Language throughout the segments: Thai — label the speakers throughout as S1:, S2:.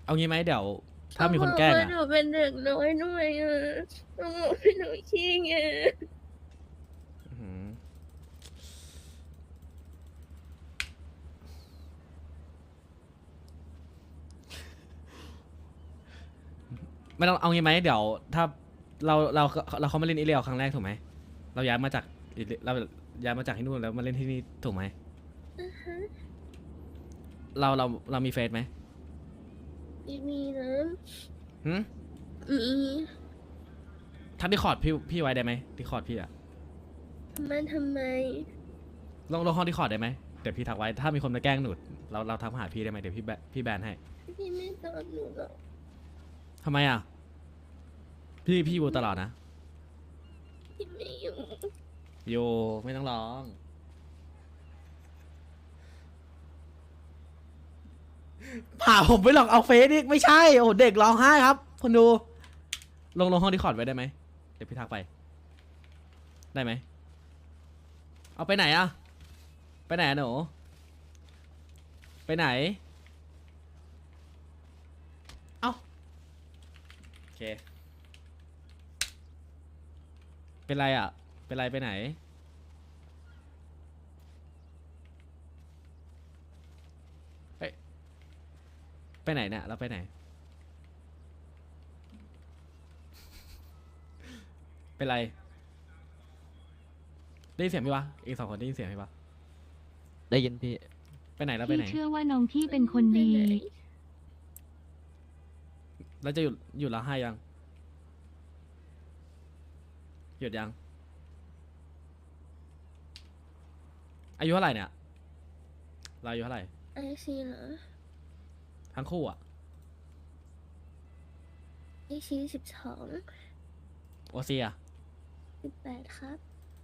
S1: เอางี้ไหมเดี๋ยวถ้ามีคนแกล้ง
S2: เขาบอว่า
S1: อ่ะ
S2: หนูเป็นเด็กน้อยด้วยอ่ะเขาบอกว่าหนูขี้แง
S1: อื้อหือไม่ต้องเอางี้ไหมเดี๋ยวถ้าเราเขามาเล่นอิเลียวครั้งแรกถูกไหมเราย้ายมาจากเราย้ายมาจากที่นู่นแล้วมาเล่นที่นี่ถูกไหมเรามีเฟซไหม
S2: ไม่มีนะ
S1: หืม
S2: มี
S1: ทักดิคอร์ดพี่ไว้ได้ไหมดิคอร์ดพี่อะ
S2: มันทำไม
S1: ลงห้องดิคอร์ดได้ไหมเดี๋ยวพี่ทักไว้ถ้ามีคนมาแกล้งหนูเราทักมาหาพี่ได้ไหมเดี๋ยวพี่แบนให้
S2: พี่ไม่ตอบหนูหรอก
S1: ทำไมอ่ะพี่อยู่ตลอดนะ
S2: พี่ไม่อยู่
S1: โยไม่ต้องร้องผ่าผมไปหลอกเอาเฟซอีกไม่ใช่โอ้โหเด็กร้องไห้ครับคนดูลงห้องดิคอร์ดไว้ได้ไหมเดี๋ยวพี่ทักไปได้ไหมเอาไปไหนอะไปไหนอะหนูไปไหนเอ้าโอเคเป็นไรอะเป็นไรไปไหนเฮ้ยไปไหนเนี่ยเราไปไหนเป็นไรได้ยินเสียงพี่ปะอีก2 คนได้ยินเสียงพี่ปะ
S3: ได้ยินพี่
S1: ไปไหนแล้วไป
S4: พี่
S1: ไหน
S4: เชื่อว่าน้องพี่เป็นคนดี
S1: แล้วจะหยุดร้องไห้ยังหยุดยังอายุเท่าไหร่เนี่ยเราอายุเท่าไหร่
S2: ไอซีเหรอ
S1: ทั้งคู่อ่ะ
S2: ไอซี12
S1: โอซีอ่ะ
S2: 18ครับ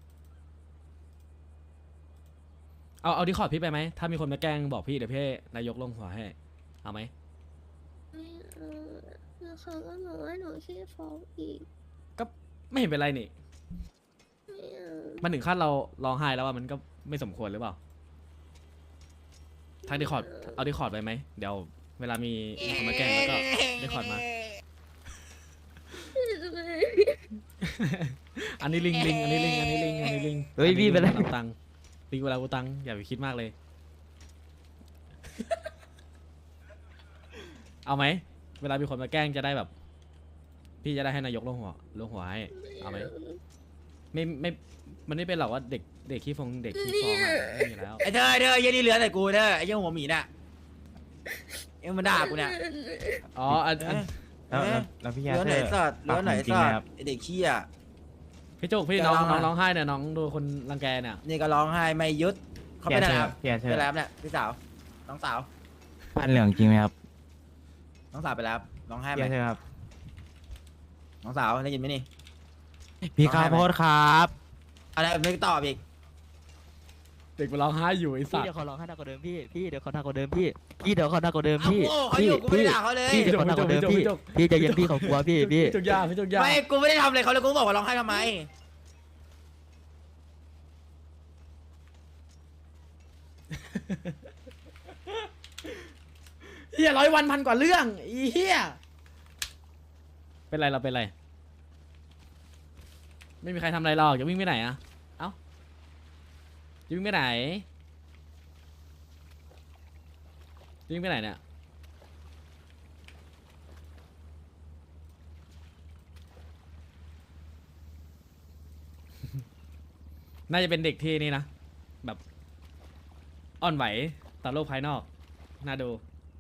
S1: เอาดิคอร์ดพี่ไปไหมถ้ามีคนมาแกล้งบอกพี่เดี๋ยวพี่นายกลงหัวให้เอาไหม
S2: ไม่เอาแล้วเขาก็บอกว่าหนูขี้ฟ้องอีก
S1: ก็ไม่เห็นเป็นไรนี่
S2: ไม่เอา
S1: มันถึงขั้นเราร้องไห้แล้วว่ามันก็ไม่สมควรหรือเปล่าทักดิคอร์ดเอาดิคอร์ดไปไหมเดี๋ยวเวลามีคนมาแกล้งแล้วก็ดิคอร์ดมา อันนี้ลิงอันนี้ลิงอันนี้ลิง
S3: เฮ้ยพี่เป็นไร
S1: ลิงตังลิงเวลากูตังอย่าไปคิดมากเลย เอาไหมเวลามีคนมาแกล้งจะได้แบบ พี่จะได้ให้นายกลงหัวให้เอาไหมไม่มันไม่เป็นหรอกว่าเด็กขี้ฟองเด็กขี้ฟองอะไม่มีแล้ว
S5: ไอ้เธอยันนี่เหลือแต่กูเธอไอ้ยังหัวหมีน่ะยังมาด่ากูเนี่ย
S1: อ๋ออัน
S6: แล้วพี่
S5: เห
S6: ยา
S5: ลือ
S6: เธ
S5: ไหน
S6: อ
S5: สัตว์เหลือไหน
S6: จริง
S5: สั
S6: ไหม
S5: ต
S6: ครับ
S5: ว์ไอ้เด็กขี้อ่ะ
S1: พี่จุกพี่น้องร้องไห้เนี่ยน้องโดนคนรังแกเนี่ย
S5: นี่ก็ร้องไห้ไม่หยุดเขา
S6: พี่
S5: ไป
S6: ยา
S5: ไหน
S6: เธอ
S5: ครับ
S6: พี่ยาเธ
S5: ไป
S6: อ
S5: แล้วเนี่ยพี่สาวน้องสาว
S6: พันเหลืองจริงไหมครับ
S5: น้องสาวไปแล้วร้องไห้ไหม
S6: พี่ยาเธอครับ
S5: น้องสาวได้ยินไหมนี่
S6: พี่ข้าวโพดครับ
S5: อะไรไม่ตอบอีก
S1: เด็กมันร้องไห้อยู่ไอ้สั
S3: พี่
S1: ต
S3: เดี๋ยว
S1: ว์
S3: เขาร้องให้หนักกว่าเดิมพี่เดี๋ยวเขาหนักกว่าเดิมพี่เดี๋ยวเขาหนักกว่าเดิม
S5: เขา
S3: พี่
S5: โง่เขาอยู่กูไม่ได้ด่าเขาเลย
S3: พี่เดี๋ยวเขาหนักกว่าเดิมพี่ใจเย็นพี่เขากลัวพี่
S1: พี่จุกยาพี่จุกยา
S5: ไม่กูไม่ได้ทำอะไรเขาเลยกูบอกว่าร้องไห้ทำไม
S1: เฮีย100 วันพันกว่าเรื่องอีเฮียเป็นไรเราเป็นไรไม่มีใครทำอะไรหรอกจะวิ่งไปไหนอะเอ้าจะวิ่งไปไหนจะวิ่งไปไหนเนี่ย น่าจะเป็นเด็กที่นี่นะแบบอ่อนไหวต่อโลกภายนอกน่าดู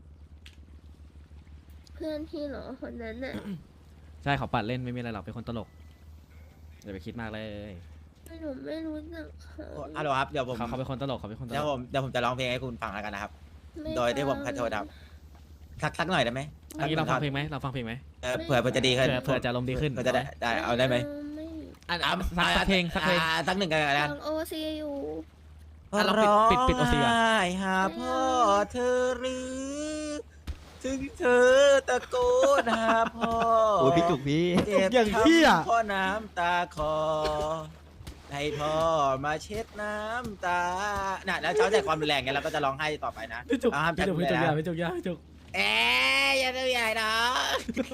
S2: เพื่อนพี่เหรอคนนั้นน่ะ
S1: ใช่เขาปัดเล่นไม่มีอะไรหรอกเป็นคนตลกอย่าไปคิดมากเลย
S2: หนูไม่รู้จักเขา
S5: ฮัลโหลครับเดี๋ยวผม
S1: เขาเป็นคนตลกเขาเป็นคนต
S5: เดี๋
S1: ล
S5: ยว
S1: ก
S5: ผมจะร้องเพลงให้คุณฟังแล้วกันนะครับ
S2: ไม่
S5: โดยที่ผมขอโทษครับสักหน่อยได้ไหม
S1: อันนี้เราฟังเพลงไหมเราฟังเพลงไหม
S5: เผื่อจะดีขึ้น
S1: เผื่อจะลมณ์ดีขึ้น
S5: เผื่อจะได้เอาได้ไหม
S2: ไม่
S1: อันสักเพลงสักเพลง
S5: สักหนึ่งกันนะ
S2: ฟังโอซีอยู่
S1: อ่ะเราปิดโอซีก่อน
S5: ร้งไห้หาพ่อเธอหรือ ถึงเธอตะโกนหาพ่อ
S3: โอ้ยพี่จุกพี่
S5: เจ็บ
S1: อย่างเหี้ย
S5: ช้ำเพราะน้ำตาคอให้พ่อมาเช็ดน้ำตาน่ะแล้วเช้าใจความรุนแรงไงเราก็จะร้องไห้ต่อไปนะ
S1: พี่จุก
S5: ห้าม
S1: พี่
S5: จั
S1: จุกพี่จุก
S5: เลย
S1: ยา
S5: นะ
S1: พี่จุกยาพี่จุก
S5: เอ้ยอย่าทำใหญ่น้อง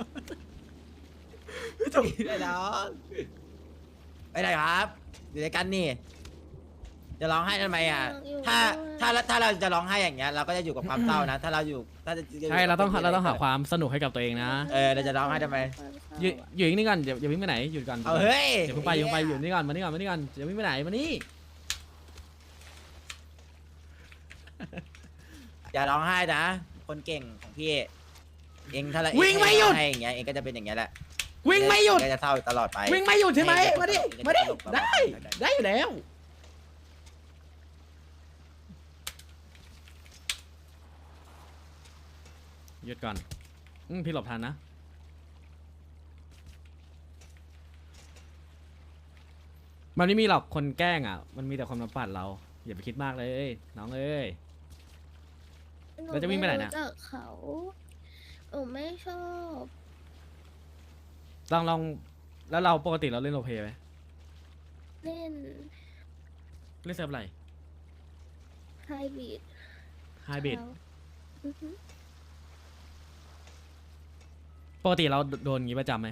S5: ไอ้น้องไปไหนครับอยู่ด้วยกันนี่จะร้องไห้ทำไมอ่ะถ้าเราจะร้องไห้อย่างเงี้ยเราก็จะอยู่กับความเศร้านะถ้าเราอยู่ถ้าจะ
S1: ใช่เราต้องหาความสนุกให้กับตัวเองนะ
S5: เราจะร้องไห้ทำไม
S1: อยู่นิ่งๆก่อนอย่าวิ่งไปไหนหยุดก่อน
S5: เอาเฮ้ย
S1: อย่าเพิ่งไปอยู่นี่ก่อนมานี่ก่อนอย่าวิ่งไปไหนมานี่
S5: อย่าร้องไห้นะ คนเก่งของพี่ เองถ้าเรา
S1: วิ่งไม่หยุด
S5: ให้อย่างเงี้ยเองก็จะเป็นอย่างเงี้ยแหละ
S1: วิ่งไม่หยุด
S5: ก็จะเศร้าตลอดไป
S1: วิ่งไม่หยุดใช่ไหมมาดิ
S5: เองก็
S1: มา
S5: จะ
S1: ดิ
S5: ตลกตลอ
S1: ได้
S5: ป
S1: ได้อยู่แล้วหยุดก่อนพี่หลบทันนะมันไม่มีหรอกคนแกล้งอ่ะมันมีแต่ความน้ำปั่นเราอย่าไปคิดมากเลยน้องเอ้ย แล้วจะวิ่งไปไหนเนี่ย
S2: รู้จักเขาหนูไม่ชอบ
S1: ลองแล้วเราปกติเราเล่นโรลเพลย์ไหม
S2: เล่น
S1: เล่นเซิร์ฟอะไร
S2: ไฮบีด
S1: ไฮบริด
S2: อือฮึ
S1: ปกติเราโดนงี้ประจำไหม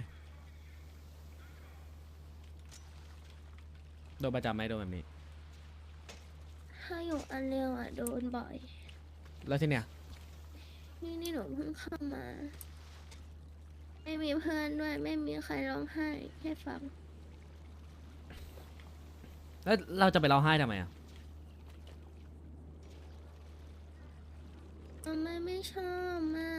S1: โดนประจำไหมโดนแบบนี้
S2: ถ้าอยู่อันเร็วอ่ะโดนบ่อย
S1: แล้วที่เนี้ย
S2: นี่หนูเพิ่งเข้ามา ไม่มีเพื่อนด้วย ไม่มีใครร้องไห้ให้ฟัง
S1: แล้วเราจะไปร้องไห้ทำไมอ่ะ
S2: ไม่ชอบมาก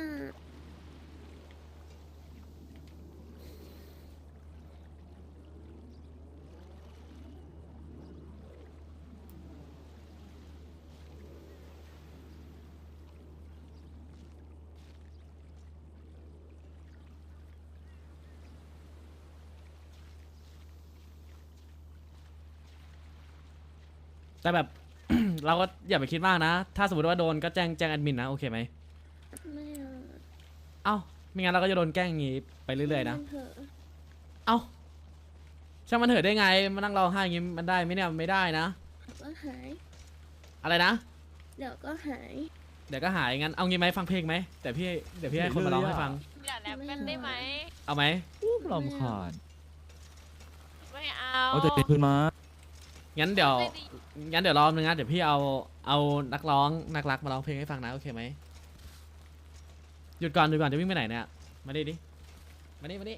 S1: แต่แบบ เราก็อย่าไปคิดมากนะ ถ้าสมมติว่าโดนก็แจ้งแอดมินนะโอเคไหม
S2: ไม่เอา
S1: เอ้าไม่งั้นเราก็จะโดนแกล้งอย่างงี้ไปเรื่อยๆนะ
S2: มัเถอะ
S1: เอ้าช่างมันเถอะได้ไงมานั่งร้องไห้อย่างงี้มันได้ไหมเนี่ยไม่ได้นะ
S2: เดี๋ยวก็หาย
S1: อะไรนะ
S2: เดี๋ยวก็หาย
S1: เดี๋ยวก็หายงั้นเอางี้ไหมฟังเพลงไหมเดี๋ยวพี่ให้คนมาร้องให้ฟัง
S7: อย่าแรปกันได้ไหม
S1: เอาไหม
S6: ลำคาญ
S7: ไม่เอา
S6: เอาแต่เป็นพื้นมา
S1: งั้นเดี๋ยว
S7: ไม่ดี
S1: รอบนึงนะเดี๋ยวพี่เอานักร้องนักรักมาร้องเพลงให้ฟังนะโอเคไหมหยุดก่อนจะวิ่งไปไหนเนี่ยมาดิมานี่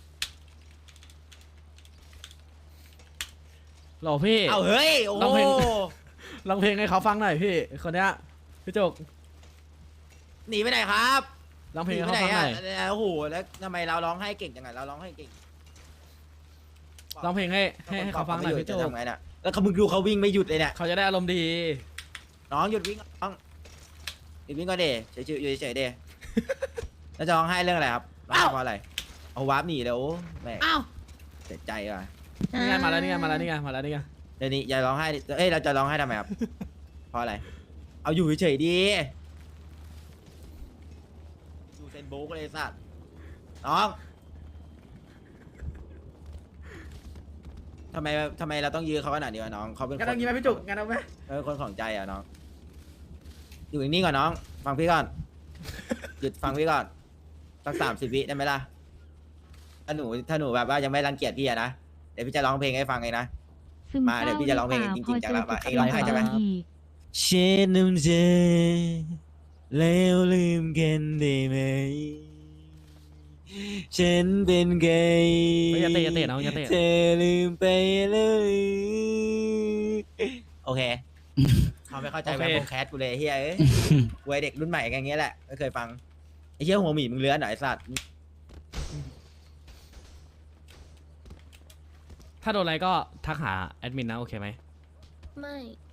S1: หล่อพี่
S5: เอาเฮ้ยโอ้
S1: ร้องเพลง ร้องเพลงให้เขาฟังหน่อยพี่คนเนี้ยพี่จุก
S5: หนีไปไหนครับ
S1: ร้องเพลง
S5: หนี
S1: ให้
S5: ไป
S1: เขา
S5: ไหน
S1: ฟังห
S5: อ่ะ
S1: น่อย
S5: โอ้โหแล้วทำไมเราร้องไห้เก่งจังไงเราร้องไห้เก่ง
S1: ร้องเพลงให้เขาฟังหน่อยพี่จุ
S5: จะ
S1: ก
S5: ทำไงน่ะแล้วเขามึงดูเขาวิ่งไม่หยุดเลยเนี่ย
S1: เขาจะได้อารมณ์ดี
S5: น้องหยุดวิ่งน้องหยุดวิ่งก่อนเดเฉยๆอยู่เฉยๆเด แล้วจะร้องไห้เรื่องอะไรครับร้องไห้เพราะอะไรเอาวาร์ปหนีแล้วแม่ง
S1: อ้าว
S5: เสียใจว่ะ
S1: นี่ไงมาแล้วนี่ไง
S5: เดี๋ยวนี้อย่าร้องไห้ดิเอ้ยเราจะร้องไห้ทำไมครับ เพราะอะไร เอาอยู่เฉยๆดีอยู่เซนโบ๊กเลยสัตว์น้องทำไมเราต้องยื้อเขาขนาดนี้วะน้องเขาเป็นค
S1: งั้น
S5: น
S1: เอางี้ไหมพี่จุกงั้นเอาไหม
S5: คนของใจอ่ะน้องอยู่นิ่งๆก่อนน้อง ฟังพี่ก่อน หยุดฟังพี่ก่อนสัก30 วิได้ไหมล่ะถ้าหนูแบบว่ายังไม่รังเกียจพี่อะนะเดี๋ยวพี่จะร้องเพลงให้ฟังเองนะ
S4: ซึม
S5: มาเดี๋ยวพี่จะร้องเพลงจริงๆจังแล้วมาเองร้องไห้ใช่ไหม
S4: อีก
S5: เช็ดน้ำใจแล้วลืมกันได้ไหมฉันเป็นไง
S1: เฮ้ยอย่าเตะน้องอย่าเตะ
S5: เธอลืมไปเลยโอเคเขาไม่เข้าใจ
S1: โอ
S5: แบ
S1: เค
S5: บโปรแคสกูเลยเฮียเอ้ยกูไอเด็กรุ่นใหม่กันอย่างเงี้ยแหละไม่เคยฟังไอ้เฮียหัวหมีมึงเลื้อนเหรอไอ้สัตว์
S1: ถ้าโดนอะไรก็ทักหาแอดมินนะโอเคไหม
S2: ไม่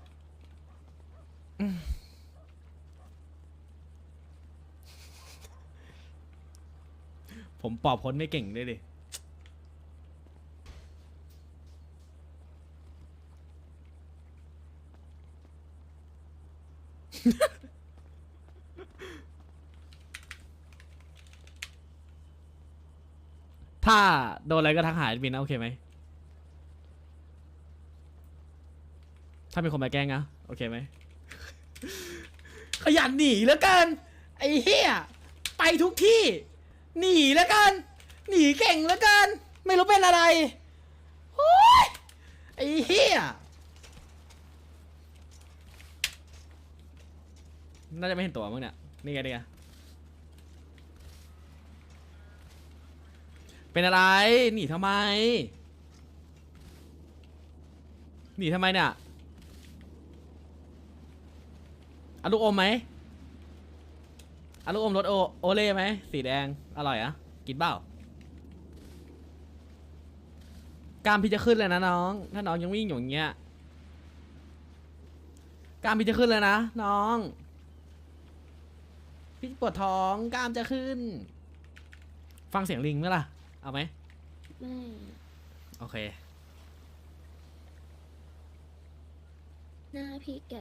S1: ผมปอบพ้นไม่เก่งด้วยดิ ถ้าโดนอะไรก็ทักหาแอดมินนะโอเคไหม ถ้ามีคนมาแกล้งนะโอเคไหม ขยันหนีเหลือเกินไอ้เหี้ยไปไปทุกที่ หนีแล้วกัน หนีเก่งแล้วกัน ไม่รู้เป็นอะไรโอ้ยไอ้เหี้ยน่าจะไม่เห็นตัวมึงเนี่ยนี่ไงนี่ไงเป็นอะไรหนีทำไมหนีทำไมเนี่ยเอาลูกอมไหมเอาลูกอมรสโอเล่ไหมสีแดงอร่อยอะกินเปล่ากล้ามพี่จะขึ้นเลยนะน้องถ้าน้องยังวิ่งอยู่อย่างเงี้ยกล้ามพี่จะขึ้นเลยนะน้องพี่ปวดท้องกล้ามจะขึ้น ฟังเสียงลิงไหมล่ะเอาไหม
S2: ไม่
S1: โอเค
S2: หน้าพี่แก่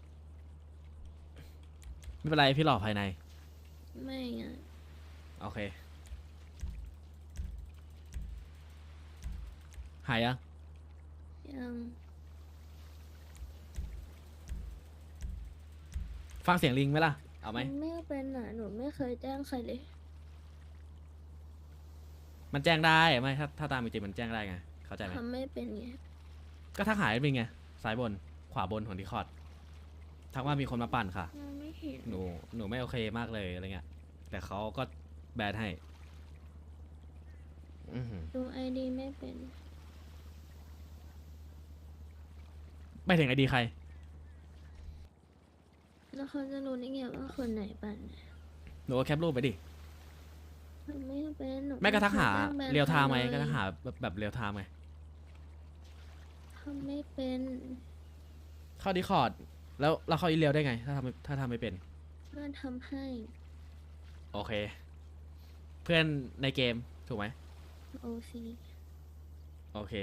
S1: ไม่เป็นไรพี่หล่อภายใน
S2: ไม่อ่ะ
S1: โอเคหายยัง
S2: ยัง
S1: ฟังเสียงลิงไหมล่ะเอาไหม
S2: มันไม่เป็นอ่ะหนูไม่เคยแจ้งใครเลย
S1: มันแจ้งได้ไหมถ้าตามจริงๆมันแจ้งได้ไงเข้าใจไหม
S2: ทำไม่เป็นไง
S1: ก็ทักหายเป็นไงซ้ายบนขวาบนของดีคอร์ดทักว่ามีคนมาปั่นค่ะ
S2: ยังไม่เห็น
S1: หนูไม่โอเคมากเลยอะไรเงี้ยแต่เขาก็แบนให้อื้อหือ
S2: ดูไอดีไม่เป็น
S1: ไปถึงไอดีใคร
S2: แล้วเขาจะรู้ได้ไงว่าคนไหนปั่น
S1: หนูก็แคปรูปไปดิ
S2: ทำไม่เป็นหนู
S1: ไม่ก็ทักหา
S2: คแจ้งแบน
S1: เรียวไทม์ไหม
S2: ใค
S1: ก็
S2: ล
S1: ทักหาแบบเรียวไทม์ไง
S2: ทำไม่เป็น
S1: เข้าดีคอร์ดแล้วเราเข้าอีเรียวได้ไง ถ้าทำไม่เป็น
S2: เพื่อนทำให้
S1: โอเค เพื่อนในเกมถูกไหม
S2: โอซี
S1: โอเค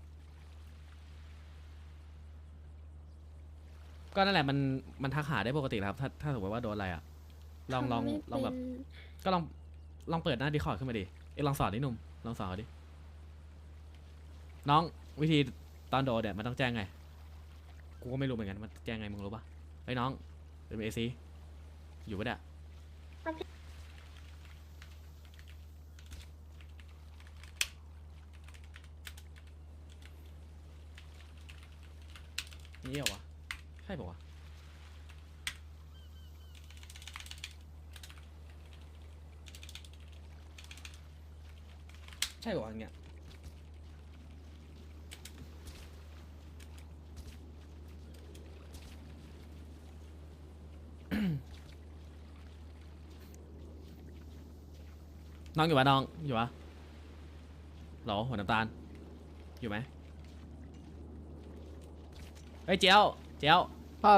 S1: ก็นั่นแหละมันทักหาได้ปกติแล้วครับถ้าสมมติว่าโดนอะไรอ่ะลองแบบก็ลองเปิดหน้าดีคอร์ดขึ้นมาดิลองสอนดิหนุ่มลองสอนเขาดิน้องวิธีตอนโดนเนี่ยมันต้องแจ้งไงกูก็ไม่รู้เหมือนกันมันแจ้งไงมึงรู้ปะไอ้ยน้องเป็นเอซีอยู่ปะเนี่ยนี่เหรอวะใช่ปะวะใช่ปะวะเนี่ย น้องอยู่ปะน้องอยู่ปะหรอหัวน้ำตาลอยู่ไหมเฮ้ยเจียว
S3: ครับ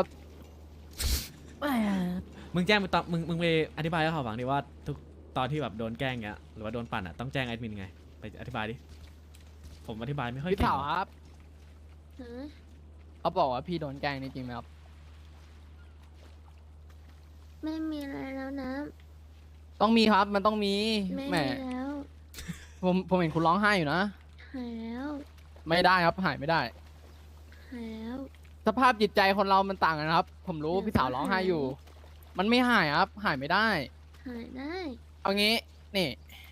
S1: มึงแจ้งไปตอนมึงไปอธิบายให้เขาฟังดิว่าทุกตอนที่แบบโดนแกล้งเงี้ยหรือว่าโดนปั่นอ่ะต้องแจ้งแอดมินไงไปอธิบายดิผมอธิบายไม่ค่อย
S8: พี่
S1: เก่ง
S8: สาว
S1: หรอก
S8: ครับ
S2: ฮะ
S8: เขาบอกว่าพี่โดนแกล้งนี่จริงไหมครับ
S2: ไม่มีอะไรแล้วนะ
S8: ต้องมีครับ มันต้องมี
S2: ไม่
S8: แหม
S2: มีแล้ว
S8: ผมเห็นคุณร้องไห้อยู่นะ
S2: หายแล้ว
S8: ไม่ได้ครับ หายไม่ได้
S2: หายแล้ว
S8: สภาพจิตใจคนเรามันต่างกันครับ ผมรู้
S2: เดี๋ยว
S8: พี่สาวร้องไห้
S2: ก็หาย
S8: อยู่ มันไม่หายครับ หายไม่ได้
S2: หายได้
S8: เอางี้ นี่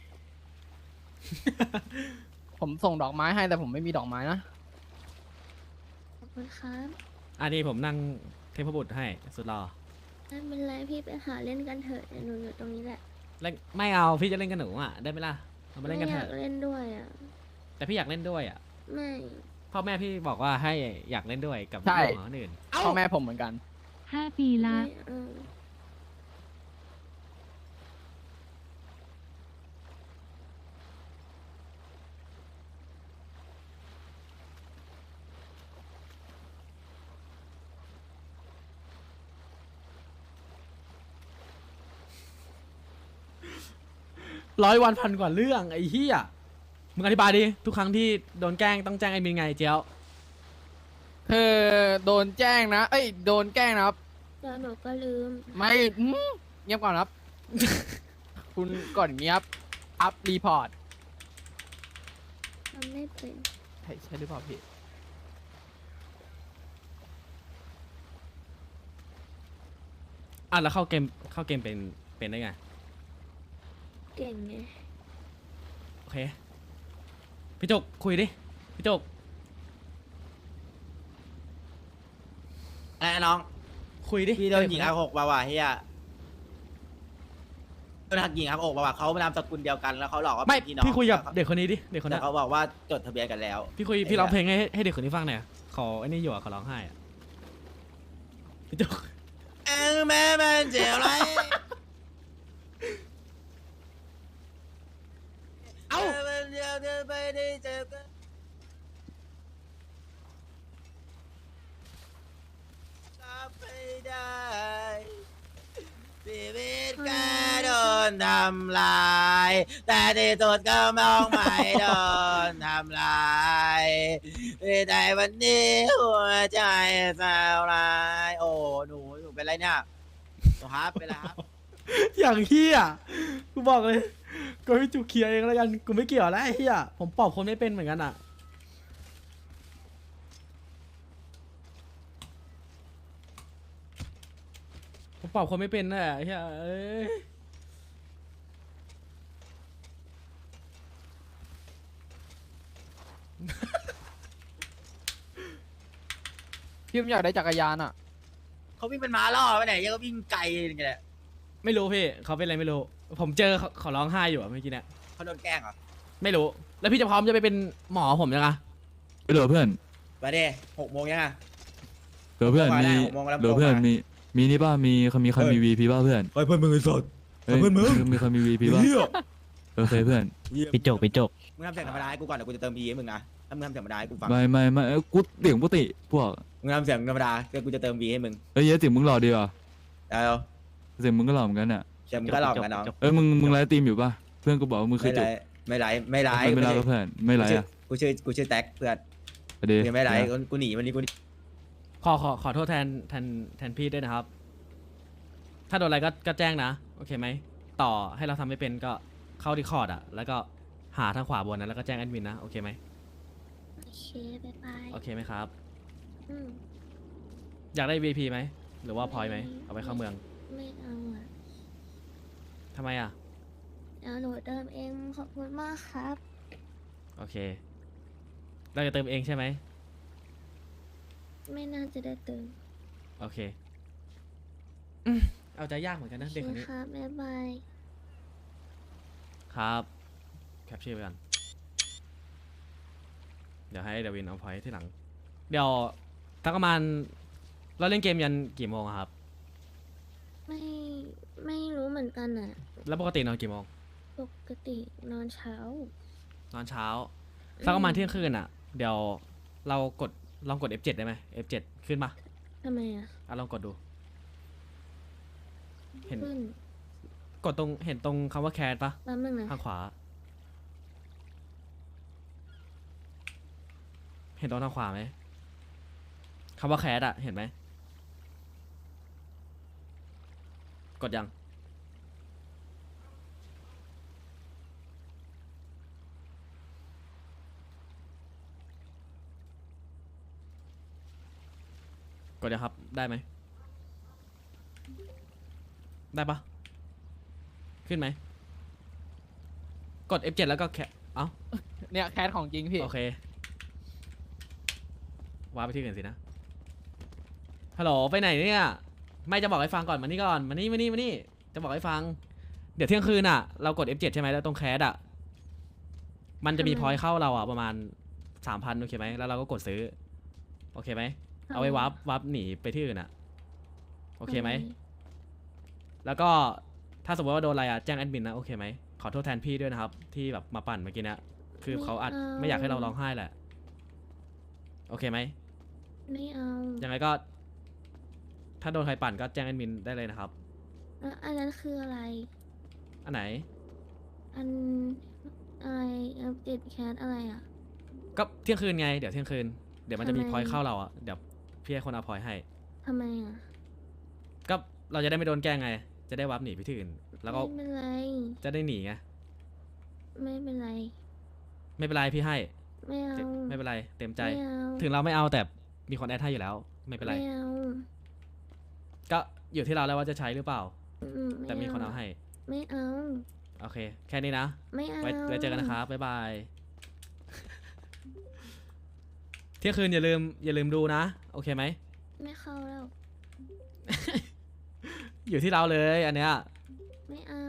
S8: ผมส่งดอกไม้ให้แต่ผมไม่มีดอกไม้นะ
S2: ขอบคุณครับ
S1: อันนี้ผมนั่งเทพบุตรให้สุดหล่อ
S2: ไม่เป็นไรพี่ไปหาเล่นกันเถอะเดี๋ยวหนูอยู่ตรงนี้แหละ
S1: เล่นไม่เอาพี่จะเล่นกับหนูอ่ะได้ไหมล่ะเรามาเล่นกัน
S2: ไม่
S1: เถ
S2: อยาก
S1: อะ
S2: เล่นด้วยอ่ะ
S1: แต่พี่อยากเล่นด้วยอ่ะ
S2: ไม่
S1: พ่อแม่พี่บอกว่าให้อยากเล่นด้วยกับ
S8: ใช่
S1: น้องคนอื่น
S8: พ่อแม่ผมเหมือนกัน
S4: 5 ปีละ
S2: ไม่เอา
S1: 100 วันพันกว่าเรื่องไอ้เหี้ยมึงอธิบายดิทุกครั้งที่โดนแกล้งต้องแจ้งไอ้มินไงเจียว
S8: คือโดนแจ้งนะ เอ้ย โดนแกล้งนะครับ
S2: แล้วหนูก็ลืม
S8: ไม่เงียบก่อนครับ คุณก่อนเงียบ อัพรีพอร์ต
S2: ทำไม่เป็น
S8: ใช่หรือเปล่าพี่
S1: อ่ะแล้วเข้าเกมเป็นได้ไง
S2: เก่งไง
S1: โอเค พี่จุกคุยดิ พี่จุก
S5: อะไรนะน้อง
S1: คุยดิ
S5: พี่โดนหญิงอักอกมาว่ะเฮียโดนหักหญิงอักอกมาว่ะเขานามสกุลเดียวกันแล้วเขาหลอกว่า
S1: ไม่
S5: เป็นพี่น้อง
S1: พี่คุยกับเด็กคนนี้ดิ เด็กคน
S5: แต่
S1: นั้น
S5: เขาบอกว่าจดทะเบียนกันแล้ว
S1: พี่คุย พี่ร้องเพลงให้เด็กคนนี้ฟังหน่อยขอไอ้นี่อยู่อ่ะขอร้องไห้อ่ะ พี่จุก
S5: แม่มันเจ็บไร
S1: เอ้า
S5: มันเดียวเดินไปได้เจอกันรับไม่ได้ชีวิตแกโดนทำลาย แต่ที่สุดก็มองไม่โดนทำลายในวันนี้หัวใจสาวลาย โอ้หนูเป็นไรเนี่ยหนูครับเป็นไรครับ
S1: อย่างเฮียกูบอกเลยกูให้จุกเคลียร์เองแล้วกัน กูไม่เกี่ยวแล้วไอ้เฮียผมปอบคนไม่เป็นเหมือนกันอ่ะ ผมปอบคนไม่เป็นน่ะไอ้เฮียเอ้ย
S8: พี่ผมอยากได้จักรยานอ่ะ
S5: เขาวิ่งเป็นม้าล่อไปไหนยังก็วิ่งไกลอย่างเงี้ยแหละ
S1: ไม่รู้พี่เขาเป็นอะไรไม่รู้ ผมเจอเขาร้องไห้อยู่อะเมื่อกี้เนี่ย
S5: เขาโดนแกล้งเหรอ
S1: ไม่รู้ แล้วพี่จะพร้อมจะไปเป็นหมอผมยังไง
S6: เหลือเพื่อน
S5: ไปดิ6 โมงยังอ่ะ
S6: เหลือเพื่อน
S5: ผมว่า
S6: มี
S5: ได้6 โมงแล้ว
S6: เหลือเพื่อน
S5: ผมว่า
S6: มีนี่ป่ะมีใครมี
S5: เฮ้ย
S6: วีพีป่ะเพื่อน
S5: เฮ้ยเพื่อนมึงไอ้สด
S6: เฮ้ย
S5: เพื่อนมึง
S6: มีใครมีวีพีป่ะโอเคเพื่อน
S3: พี่จกพี่จก
S5: มึงทำเสียงธรรมดาให้กูก่อนเดี๋ยวกูจะเติม E ให้มึงนะถ้ามึงทำเสียงธรรมดาให้กูฟัง
S6: ไม่กูเสียงปกติพวก
S5: มึงทำเสียงธรรมดาเดี๋ยวกูจะเติม V ให้มึง
S6: เอ้ยเสียงมึงหล่อดีว่ะ
S5: เอา
S6: เสียงมึงก็หล่อเหมือนกันอ่ะ
S5: เสียงมึงก็หลอกกันน้อง
S6: เอ้ยมึงไลฟ์ตีมอยู่ป่ะเพื่อนกูบอกว่ามึงเค
S5: ไม่
S6: ย
S5: ไร
S6: จบ
S5: ไม่ไรไม่ไร
S6: ไม่ไลฟ์ป่ะเพื่อนไม่ไลฟ์อ่ะ
S5: กูชื่อแท็กเพื่อน
S6: ไปดิ
S5: ยังไม่ไรกูหนีวันนี้กู
S1: ขอโทษแทนพี่ด้วยนะครับ ถ้าโดนอะไรก็แจ้งนะ โอเคไหม ต่อให้เราทำไม่เป็นก็เข้าดีคอร์ดอะแล้วก็หาทางขวาบนนะแล้วก็แจ้งแอดมินนะ โอเคไหม
S2: โอเคบ๊ายบาย
S1: โอเคไหมครับ
S2: อืม
S1: อยากได้ VP ไหม หรือว่าพอยไหม เอาไปเข้าเมือง
S2: ไม่เอาอ่ะ
S1: ทำไมอะ
S2: เดี๋ยวหนูเติมเองขอบคุณมากครับ
S1: โอเค เราจะเติมเองใช่ไหม
S2: ไม่น่าจะได้เติม
S1: โอเคเอาใจยากเหมือนกันนะ
S2: โอ
S1: เด็ก
S2: เค
S1: คนนี้
S2: ครับบ๊ายบาย
S1: ครับ แคปชื่อไปกัน เดี๋ยวให้เดวินเอาพอยที่หลัง เดี๋ยวทักประมาณเราเล่นเกมยันกี่โมงอะครับ
S2: ไม่รู้เหมือนกันอ่ะ
S1: แล้วปกตินอนกี่โมง
S2: ปกตินอนเช้า
S1: นอนเช้าสักประมาณเที่ยงคืนอ่ะ เดี๋ยวเราลองกด F7 ได้ไหม F7 ขึ้นปะ
S2: ทำไมอ่ะ
S1: ลองกดดู เห็น
S2: ขึ้น
S1: กดเห็นตรงคำว่าแคสปะ
S2: แป๊บนึงนะ
S1: ทางขวา เห็นตรงทางขวาไหมคำว่าแคสอะเห็นไหม กดยัง กดยังครับ ได้ไหม ได้ปะขึ้นไหม กด F7 แล้วก็แคเอ้า
S8: เนี่ยแคสของจริงพี่
S1: โอเค ว้าไปที่อื่นสินะ ฮัลโหล ไปไหนเนี่ย ไม่จะบอกให้ฟังก่อน มานี่ก่อน มานี่ จะบอกให้ฟัง เดี๋ยวเที่ยงคืนอ่ะ เรากด F7 ใช่ไหมแล้วตรงแคสอ่ะ มันจะมีพอยต์เข้าเราอ่ะประมาณ 3,000 โอเคไหม แล้วเราก็กดซื้อ โอเคไหม เอาไว้วับหนีไปที่อื่นอ่ะ โอเคไหม แล้วก็ถ้าสมมติว่าโดนอะไรอ่ะแจ้งแอดมินนะโอเคไหมขอโทษแทนพี่ด้วยนะครับ ที่แบบมาปั่นเมื่อกี้เนะคือเขาอาจไม่อยากให้เราร้องไห้แหละ โอเคไหม
S2: ไม่เอา
S1: ยังไงก็ ถ้าโดนใครปั่นก็แจ้งแอดมินได้เลยนะครับ
S2: แล้วอันนั้นคืออะไร
S1: อันไหน
S2: อันอะไรอัปเดตแคสอะไรอ่ะ
S1: ก็เที่ยงคืนไงเดี๋ยวเที่ยงคืนเดี๋ยวมันจะมี
S2: ทำไม
S1: พอยต์เข้าเราอ่ะเดี๋ยวพี่ให้คนเอาพอยต์ให้
S2: ทำไมอ่ะ
S1: ก็เราจะได้ไม่โดนแกล้งไง จะได้วับหนีไปที่อื่น แล้วก็
S2: ไม่เป็นไร
S1: จะได้หนีไง
S2: ไม่เป็นไร
S1: ไม่เป็นไรพี่ให้
S2: ไม่เอา
S1: ไม่เป็นไรเต็มใจ
S2: ไม่เอา
S1: ถึงเราไม่เอาแต่มีคนแอดให้อยู่แล้ว ไม่เป็นไร
S2: ไม่เอา
S1: ก็อยู่ที่เราแล้วว่าจะใช้หรือเปล่า
S2: อืม
S1: แต่มีคนเอาให้
S2: ไม่เอา
S1: โอเค แค่นี้นะ
S2: ไม่เอา
S1: ไว้เจอกันนะครับ บ๊ายบาย เที่ยงคืนอย่าลืมดูนะ โอเคไหม
S2: ไม่เข้าแล้ว
S1: อยู่ที่เราเลยอันเนี้ย
S2: ไม่เอา